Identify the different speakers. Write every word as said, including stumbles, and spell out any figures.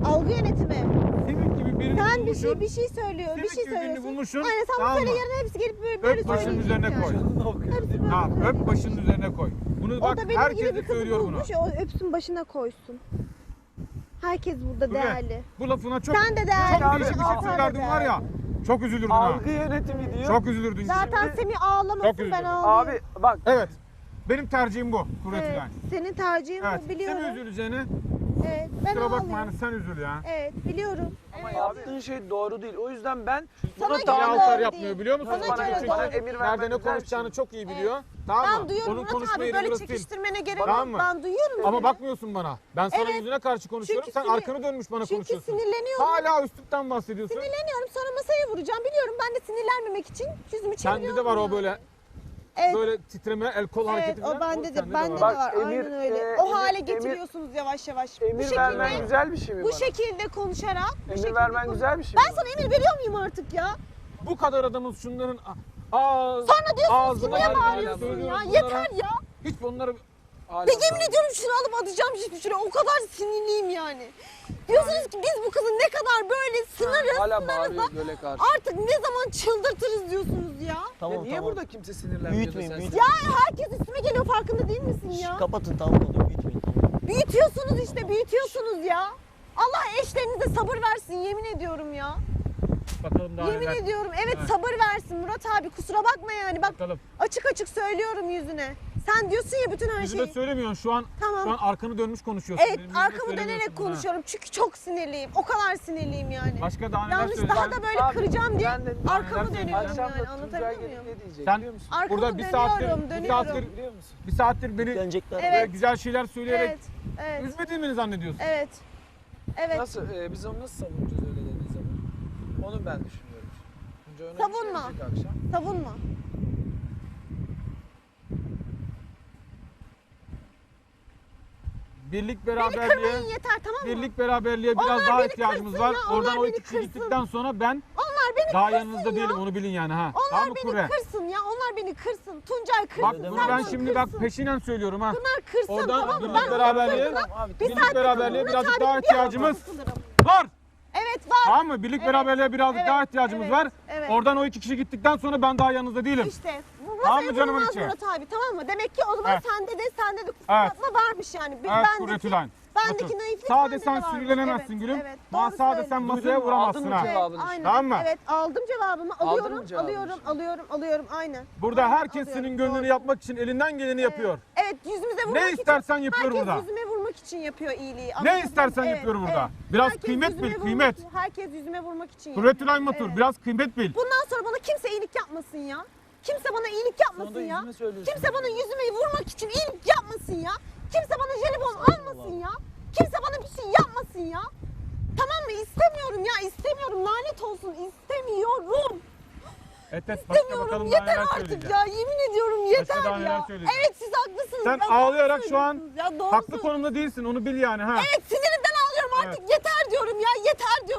Speaker 1: Algı yönetimi.
Speaker 2: Simit gibi birini
Speaker 1: Sen bir
Speaker 2: bulmuşsun.
Speaker 1: şey bir şey söylüyor.
Speaker 2: Simit
Speaker 1: Bir şey
Speaker 2: gibi birini
Speaker 1: söylüyorsun.
Speaker 2: bulmuşsun.
Speaker 1: Aynen sen
Speaker 2: Tamam
Speaker 1: bu söyle
Speaker 2: mı?
Speaker 1: yarın hepsi gelip böyle böyle
Speaker 2: Öp başının
Speaker 1: söyleyecek
Speaker 2: üzerine
Speaker 1: yani.
Speaker 2: koy.
Speaker 1: Hepsi böyle
Speaker 2: Tamam, öp
Speaker 1: söyleyecek.
Speaker 2: başının üzerine koy. Bunu
Speaker 1: O
Speaker 2: bak
Speaker 1: da benim
Speaker 2: herkes
Speaker 1: gibi
Speaker 2: de
Speaker 1: bir kızı
Speaker 2: söylüyor bunu.
Speaker 1: bulmuş. O öpsün başına koysun. Herkes burada
Speaker 2: Dur be,
Speaker 1: değerli.
Speaker 2: Bu lafına çok
Speaker 1: Sen de değerli.
Speaker 2: çok değişik bir şey
Speaker 1: Sen de
Speaker 2: söylerdin var ya. Çok üzülürdün ha.
Speaker 3: Algı yönetimi diyor.
Speaker 2: Çok üzülürdün.
Speaker 1: Zaten
Speaker 3: Şimdi-
Speaker 1: Semih
Speaker 2: Çok
Speaker 1: ağlamasın
Speaker 2: üzüldüm.
Speaker 1: ben ağlayayım.
Speaker 3: Abi bak
Speaker 2: Evet. Benim tercihim bu. Kuvvet
Speaker 1: Evet,
Speaker 2: Ülen.
Speaker 1: senin tercihin
Speaker 2: Evet.
Speaker 1: bu biliyorum.
Speaker 2: Sen üzüleceğini
Speaker 1: Evet, ben
Speaker 2: kusura bakma
Speaker 1: ağlayayım.
Speaker 2: yani sen üzül ya.
Speaker 1: Evet, biliyorum.
Speaker 3: ama yaptığın şey doğru değil. O yüzden ben
Speaker 1: Sana
Speaker 3: buna
Speaker 1: göre
Speaker 2: Niye
Speaker 3: daha
Speaker 1: doğru
Speaker 2: altar
Speaker 1: değil.
Speaker 2: yapmıyor biliyor musun?
Speaker 1: Bana
Speaker 2: Çünkü
Speaker 1: göre
Speaker 2: çünkü
Speaker 1: doğru
Speaker 3: emir
Speaker 2: nerede
Speaker 3: vermen
Speaker 2: ne
Speaker 3: güzel bir
Speaker 2: konuşacağını
Speaker 3: şey.
Speaker 2: çok iyi biliyor. Tamam
Speaker 1: Ben
Speaker 2: mı?
Speaker 1: duyuyorum
Speaker 2: Onun
Speaker 1: Murat abi
Speaker 2: konuşmayı
Speaker 1: böyle
Speaker 2: burası değil.
Speaker 1: çekiştirmene gerek
Speaker 2: Tamam
Speaker 1: yok.
Speaker 2: mı?
Speaker 1: Ben duyuyorum
Speaker 2: Ama
Speaker 1: seni.
Speaker 2: bakmıyorsun bana. Ben sana
Speaker 1: Evet.
Speaker 2: yüzüne karşı konuşuyorum.
Speaker 1: Çünkü
Speaker 2: Sen
Speaker 1: sinir-
Speaker 2: arkanı dönmüş bana
Speaker 1: Çünkü
Speaker 2: konuşuyorsun.
Speaker 1: sinirleniyorum.
Speaker 2: Hala üstlükten bahsediyorsun.
Speaker 1: Sinirleniyorum sonra masaya vuracağım biliyorum. Ben de sinirlenmemek için yüzümü çeviriyorum.
Speaker 2: Sende de var o
Speaker 1: yani.
Speaker 2: böyle
Speaker 1: Evet.
Speaker 2: böyle titreme, el kol
Speaker 1: Evet
Speaker 2: hareketi
Speaker 1: o
Speaker 2: falan.
Speaker 1: bende
Speaker 2: sende
Speaker 1: de bende de
Speaker 3: Bak,
Speaker 1: var.
Speaker 3: emir,
Speaker 1: Aynen öyle.
Speaker 3: e,
Speaker 1: o
Speaker 3: emir-
Speaker 1: hale
Speaker 3: emir-
Speaker 1: getiriyorsunuz yavaş yavaş. bu
Speaker 3: emir
Speaker 1: şekilde
Speaker 3: vermen güzel bir şey mi
Speaker 1: bu
Speaker 3: bana?
Speaker 1: şekilde konuşarak bu
Speaker 3: Emir
Speaker 1: şekilde
Speaker 3: vermen
Speaker 1: konuş-
Speaker 3: güzel bir şey
Speaker 1: Ben
Speaker 3: mi
Speaker 1: sana emir veriyor muyum artık ya?
Speaker 2: Bu kadar adamız şunların ağız,
Speaker 1: Sonra diyorsunuz ki
Speaker 2: ağzına
Speaker 1: niye
Speaker 2: gelmeden
Speaker 1: bağırıyorsun ya?
Speaker 2: söylüyoruz bunlara.
Speaker 1: Yeter ya.
Speaker 2: Hiç bunları
Speaker 3: Hala
Speaker 1: Ve yemin ediyorum şunu alıp atacağım şimdi şuraya. O kadar sinirliyim yani. Diyorsunuz ki biz bu kızı ne kadar böyle sınırız,
Speaker 3: Hala
Speaker 1: sınırız
Speaker 3: bağırıyor
Speaker 1: da
Speaker 3: göle karşı.
Speaker 1: artık ne zaman çıldırtırız diyorsunuz ya.
Speaker 3: Ya
Speaker 4: Tamam
Speaker 3: niye
Speaker 4: tamam.
Speaker 3: burada kimse sinirlenmiyor?
Speaker 4: Büyütmeyin,
Speaker 3: da sen
Speaker 4: büyütmeyin.
Speaker 1: Ya herkes üstüme geliyor farkında değil misin
Speaker 4: Şş,
Speaker 1: ya?
Speaker 4: kapatın tamam oluyor büyütmeyin tamam.
Speaker 1: Büyütüyorsunuz işte büyütüyorsunuz ya. Allah eşlerinize sabır versin yemin ediyorum ya.
Speaker 2: bakalım daha
Speaker 1: Yemin
Speaker 2: neler.
Speaker 1: ediyorum evet
Speaker 2: Evet.
Speaker 1: sabır versin Murat abi kusura bakma yani bak
Speaker 2: Bakalım.
Speaker 1: açık açık söylüyorum yüzüne. Sen diyorsun ya bütün her
Speaker 2: Yüzüme
Speaker 1: şeyi.
Speaker 2: söylemiyorsun şu an.
Speaker 1: Tamam.
Speaker 2: Şu an arkanı dönmüş konuşuyorsun.
Speaker 1: Evet
Speaker 2: Benim yüzüme
Speaker 1: arkamı
Speaker 2: söylemiyorsun
Speaker 1: dönerek
Speaker 2: bunu ha.
Speaker 1: konuşuyorum çünkü çok sinirliyim. O kadar sinirliyim yani.
Speaker 2: Başka daha neler
Speaker 1: Yanlış
Speaker 2: söyleyeceğim.
Speaker 1: daha da böyle
Speaker 3: Abi,
Speaker 1: kıracağım diye
Speaker 3: ben de-
Speaker 1: arkamı
Speaker 2: Neler
Speaker 1: dönüyorum
Speaker 3: Akşam
Speaker 1: yani
Speaker 3: da Tuncay
Speaker 1: anlatabiliyor
Speaker 3: gelip
Speaker 1: muyum?
Speaker 3: ne diyecek
Speaker 2: Sen
Speaker 3: biliyor musun?
Speaker 1: Arkamı
Speaker 2: burada bir
Speaker 1: dönüyorum,
Speaker 2: saattir, bir
Speaker 1: dönüyorum.
Speaker 2: saattir,
Speaker 3: Biliyor musun?
Speaker 2: bir saattir beni
Speaker 4: Dönecekler.
Speaker 1: Evet.
Speaker 2: böyle güzel şeyler söyleyerek
Speaker 1: Evet, evet,
Speaker 2: üzmediğimi mi zannediyorsun?
Speaker 1: evet. Evet.
Speaker 3: Nasıl, e, biz onu nasıl savunacağız öyle dediği zaman? Onu ben düşünüyorum. Tuncay ona bir şey
Speaker 1: Savunma.
Speaker 3: diyecek akşam.
Speaker 1: Savunma.
Speaker 2: Birlik
Speaker 1: Beni
Speaker 2: beraberliğe,
Speaker 1: kırmayın yeter tamam mı?
Speaker 2: birlik beraberliğe biraz
Speaker 1: Onlar
Speaker 2: daha
Speaker 1: beni
Speaker 2: ihtiyacımız
Speaker 1: kırsın
Speaker 2: var.
Speaker 1: ya, onlar
Speaker 2: Oradan o
Speaker 1: beni
Speaker 2: iki kişi
Speaker 1: kırsın.
Speaker 2: gittikten sonra ben
Speaker 1: Onlar beni
Speaker 2: daha
Speaker 1: kırsın
Speaker 2: yanınızda
Speaker 1: ya.
Speaker 2: değilim onu bilin yani ha.
Speaker 1: Onlar
Speaker 2: Tamam mı
Speaker 1: beni
Speaker 2: Kure?
Speaker 1: kırsın ya. Onlar beni kırsın. Tuncay kırsın.
Speaker 2: Bak
Speaker 4: Öyle
Speaker 2: bunu
Speaker 4: deme.
Speaker 2: ben
Speaker 1: Serkan
Speaker 2: şimdi bak
Speaker 1: kırsın.
Speaker 2: peşinen söylüyorum ha.
Speaker 1: Bunlar kırsın
Speaker 2: Oradan
Speaker 1: tamam mı?
Speaker 2: birlik
Speaker 1: Ben
Speaker 2: beraberliğe,
Speaker 1: kırsın.
Speaker 3: Abi,
Speaker 1: Bir
Speaker 2: birlik
Speaker 1: saattir
Speaker 2: beraberliğe
Speaker 1: Murat
Speaker 2: birazcık
Speaker 1: abi
Speaker 2: daha
Speaker 1: bir
Speaker 2: ihtiyacımız
Speaker 1: hafta sıkılırım.
Speaker 2: var.
Speaker 1: Evet var.
Speaker 2: Tamam mı? Birlik
Speaker 1: Evet.
Speaker 2: beraberliğe birazcık
Speaker 1: Evet,
Speaker 2: daha ihtiyacımız
Speaker 1: evet,
Speaker 2: var.
Speaker 1: evet.
Speaker 2: Oradan o iki kişi gittikten sonra ben daha yanınızda değilim.
Speaker 1: İşte bu
Speaker 2: Tamam mı
Speaker 1: masaya
Speaker 2: canımın
Speaker 1: vurulmaz
Speaker 2: içi?
Speaker 1: Murat abi tamam mı? Demek ki o zaman
Speaker 2: Evet.
Speaker 1: sende de sende de
Speaker 2: Evet.
Speaker 1: kıskanma varmış yani. Bir-
Speaker 2: Evet
Speaker 1: bendeki-
Speaker 2: Kuvvet Ülen.
Speaker 1: Bendeki
Speaker 2: Otur.
Speaker 1: naiflik
Speaker 2: Sade
Speaker 1: sende de
Speaker 2: sen
Speaker 1: varmış.
Speaker 2: sinirlenemezsin
Speaker 1: Evet,
Speaker 2: gülüm.
Speaker 1: evet,
Speaker 2: Ama
Speaker 1: doğru
Speaker 2: sade sen
Speaker 1: söylüyorsun.
Speaker 2: masaya
Speaker 3: Duydun mu?
Speaker 2: vuramazsın
Speaker 3: Aldın mı
Speaker 2: ha.
Speaker 3: cevabını?
Speaker 1: Evet, aynen.
Speaker 2: Tamam mı?
Speaker 1: Evet aldım cevabımı.
Speaker 3: Aldın
Speaker 1: Alıyorum,
Speaker 3: mı cevabını
Speaker 1: alıyorum,
Speaker 3: şimdi?
Speaker 1: alıyorum, alıyorum aynen.
Speaker 2: Burada
Speaker 1: Aynen,
Speaker 2: herkes
Speaker 1: alıyorum.
Speaker 2: senin gönlünü
Speaker 1: Doğru.
Speaker 2: yapmak için elinden geleni yapıyor.
Speaker 1: Evet yüzümüze vurmak için.
Speaker 2: istersen yapıyor
Speaker 1: herkes
Speaker 2: burada.
Speaker 1: yüzüme vurmak için yapıyor iyiliği.
Speaker 2: Ne
Speaker 1: Anladın mı?
Speaker 2: istersen
Speaker 1: Evet,
Speaker 2: yapıyor burada.
Speaker 1: evet.
Speaker 2: Biraz
Speaker 1: Herkes
Speaker 2: kıymet
Speaker 1: yüzüme
Speaker 2: bil,
Speaker 1: vurmak-
Speaker 2: kıymet.
Speaker 1: Herkes yüzüme vurmak için
Speaker 2: Kuvvet
Speaker 1: yapıyor.
Speaker 2: Ülen Matur,
Speaker 1: Evet.
Speaker 2: biraz kıymet bil.
Speaker 1: Bundan sonra bana kimse iyilik yapmasın ya. Kimse bana iyilik yapmasın
Speaker 3: Sonra
Speaker 1: ya.
Speaker 3: yüzüme söylüyorsun.
Speaker 1: Kimse bana yüzüme vurmak için iyilik yapmasın ya. Kimse bana jelibon almasın ya. Kimse bana bir şey yapmasın ya. Tamam mı? İstemiyorum ya. istemiyorum. Lanet olsun. İstemiyorum.
Speaker 2: Et et başka
Speaker 1: İstemiyorum.
Speaker 2: bakalım daha
Speaker 1: Yeter
Speaker 2: neler
Speaker 1: artık
Speaker 2: söyleyeceğim.
Speaker 1: ya. Yemin ediyorum yeter
Speaker 2: daha neler
Speaker 1: ya.
Speaker 2: söyleyeceğim.
Speaker 1: Evet siz haklısınız.
Speaker 2: Sen
Speaker 1: Ya, doğru
Speaker 2: ağlayarak şu an
Speaker 1: söylüyorsunuz ya, doğru
Speaker 2: Haklı
Speaker 1: söylüyorsunuz.
Speaker 2: konumda değilsin onu bil yani ha.
Speaker 1: Evet sinirimden ağlıyorum artık. Yeter diyorum ya. Yeter